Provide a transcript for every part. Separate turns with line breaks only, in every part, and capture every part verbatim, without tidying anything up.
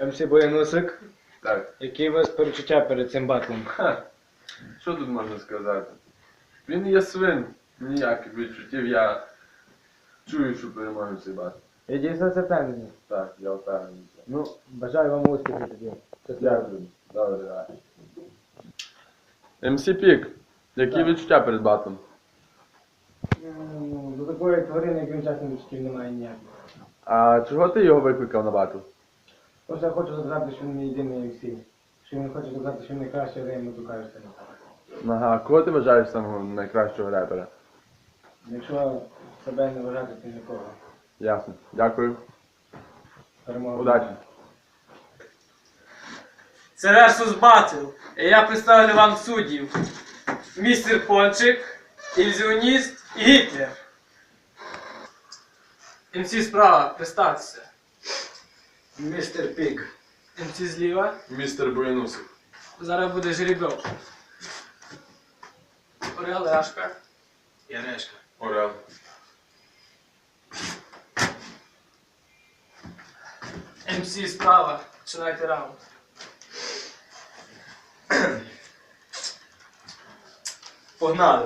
ем сі Боянусик,
Так.
які у вас перечуття перед цим батлом?
Ха. Що тут можна сказати? Він є свин. Ніяких відчуттів. Я чую, що переможе цей бат.
Я дійсно це впевнений.
Так, я впевнений.
Ну, бажаю вам успіху тоді.
Дякую. Добре, так. ем сі Пік. Які
Так.
відчуття перед батом?
Ну, до такої тварини, як він чесно відчуттів, немає ніяких.
А чого ти його викликав на батл?
Просто я хочу доказати, що він не єдиний ем сі. Що він хоче доказати, що він найкращий, але йому кажуть, що не так.
Ага, кого ти вважаєш самого найкращого репера?
Якщо себе не вважати, то нікого.
Ясно. Дякую.
Перемога.
Удачі.
Це Versus Battle. І я представлю вам суддів. Містер Пончик, Ілюзіоніст і Гітлер. ем сі справа, представтеся.
Містер Пік.
ем сі зліва.
Містер Боянусик.
Зараз буде жеребьов. Орел, Яшка.
Ярешка.
Орел.
ем сі справа. Починайте раунд.
Погнали.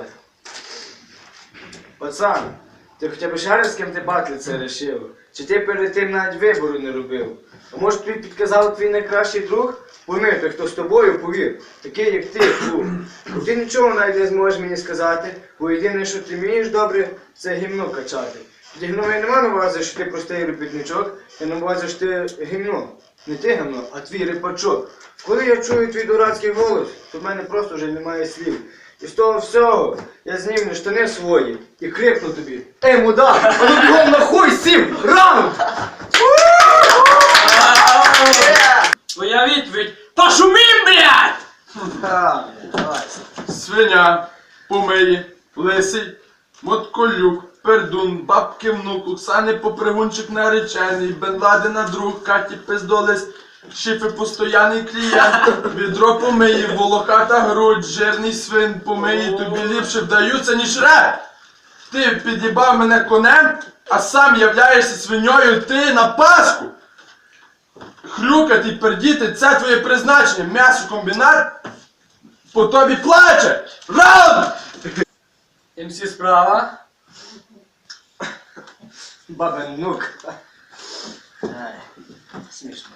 Пацан, ти хоча б ще раз з ким ти батли це рішив? Чи ти перед тим навіть вибору не робив? А може тобі підказав твій найкращий друг? Пойми, той, хто з тобою, повір, такий як ти, друг. Бо ти нічого навіть не зможеш мені сказати, бо єдине, що ти вмієш добре, це гімно качати. Тоді гімно я не маю на увазі, що ти простий робітничок, я на увазі, що ти гімно. Не ти гімно, а твій репачок. Коли я чую твій дурацький голос, то в мене просто вже немає слів. І з того всього я знімлю штани свої і крикну тобі: Ей, мудак, а ну бігом нахуй сім! Раунд!
Твоя відповідь. Пошумім, блядь!
Свиня, помиї, лисий, мотколюк, пердун, бабки внук, Оксани попригунчик наречений, Бен Ладена друг, Каті пиздолис, Шифи постоянний клієнт, відро помиї, волохата грудь, жирний свин помиї, тобі ліпше вдаються, ніж реп. Ти під'їбав мене конем, а сам являєшся свиньою, ти на Пасху. Хрюкати й пердіти, це твоє призначення, м'ясокомбінат по тобі плаче! Раунд!
ем сі справа.
Бабенук. Ай, смішно.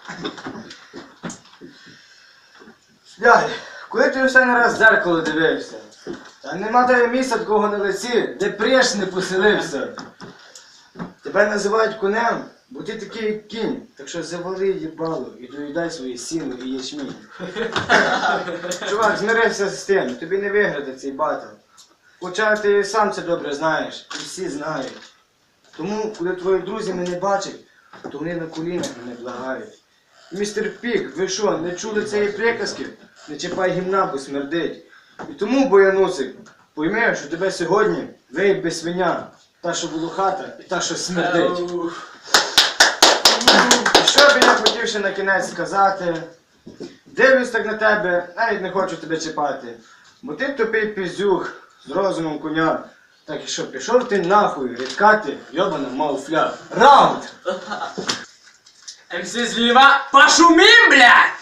Дядь, коли ти останній раз в дзеркало дивився? Та нема тебе місця такого на лиці, де преш не поселився. Тебе називають конем, бо ти такий як кінь, так що завали їбало і доїдай свої сіно і ячмінь. Чувак, змирився з тим, тобі не виграти цей батл. Хоча ти сам це добре знаєш, і всі знають. Тому, коли твої друзі мене бачать, то вони на колінах мене благають. Містер Пік, ви що, не чули цієї приказки? Не чіпай гімна, бо смердить. І тому, Боянусик, пойми, що тебе сьогодні виїбе свиня, та, що волохата, і та, що смердить. І що б я хотів ще на кінець сказати? Дивлюсь так на тебе, навіть не хочу тебе чіпати. Бо ти тупий піздюх з розумом коня. Так і що, пішов ти нахуй, рідкати, йобана мауфля. Раунд!
ем сі зліва. Пошумім, блядь!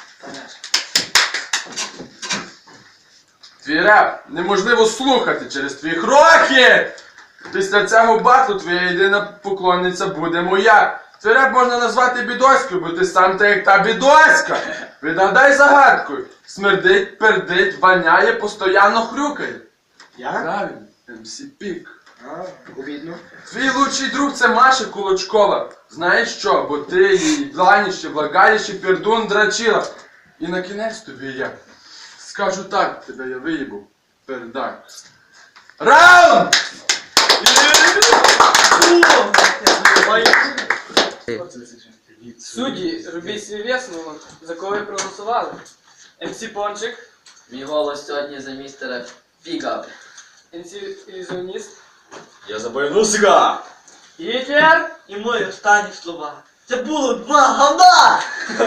Твій реп неможливо слухати через твої хроки! Після цього батлу твоя єдина поклонниця буде моя. Твій реп можна назвати бідоською, бо ти сам та як та бідоська. Відгадай загадкою. Смердить, пердить, воняє, постоянно хрюкає.
Я?
Правильно, ем сі Пік.
А, обідно.
Твій лучший друг це Маша Кулачкова. Знаєш що? Бо ти її бланіще, влагаліще, пердун драчила. І на кінець тобі я скажу так, тебе я виїбу. Пердак. Раунд!
Судді, робіть свій висновок, за кого ви проголосували. ем сі Пончик,
Мій голос сьогодні за містера Фіга.
ем сі Ілюзіоніст,
Я за Боянусика!
Гітлер.
І мої останні слова. Це було два говна!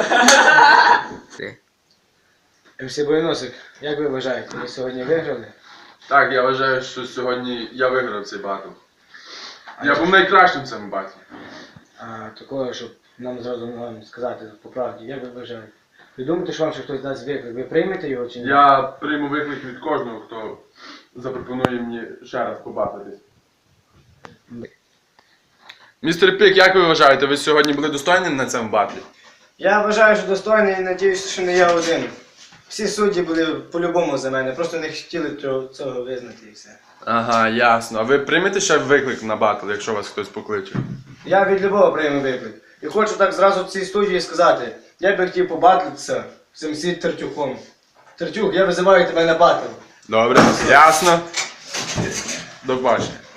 ем сі Боянусик, як ви вважаєте, ви сьогодні виграли?
Так, я вважаю, що сьогодні я виграв цей батл. Я був найкращим в цьому батлі.
А такого, щоб нам зразу вам сказати по правді, як ви вважаєте? Ви думаєте, що вам ще хтось дасть виклик? Ви приймете його чи ні?
Я прийму виклик від кожного, хто запропонує мені ще раз побачитись. Містер Пік, як ви вважаєте, ви сьогодні були достойні на цьому батлі?
Я вважаю, що достойний і надіюся, що не я один. Всі судді були по-любому за мене, просто не хотіли цього- цього визнати і все.
Ага, ясно. А ви приймете ще виклик на батл, якщо вас хтось покличе?
Я від любого прийму виклик. І хочу так зразу в цій студії сказати, я би хотів побатлитися з цим всім Тертюхом. Тертюх, я визиваю тебе на батл.
Добре, ясно. До побачення.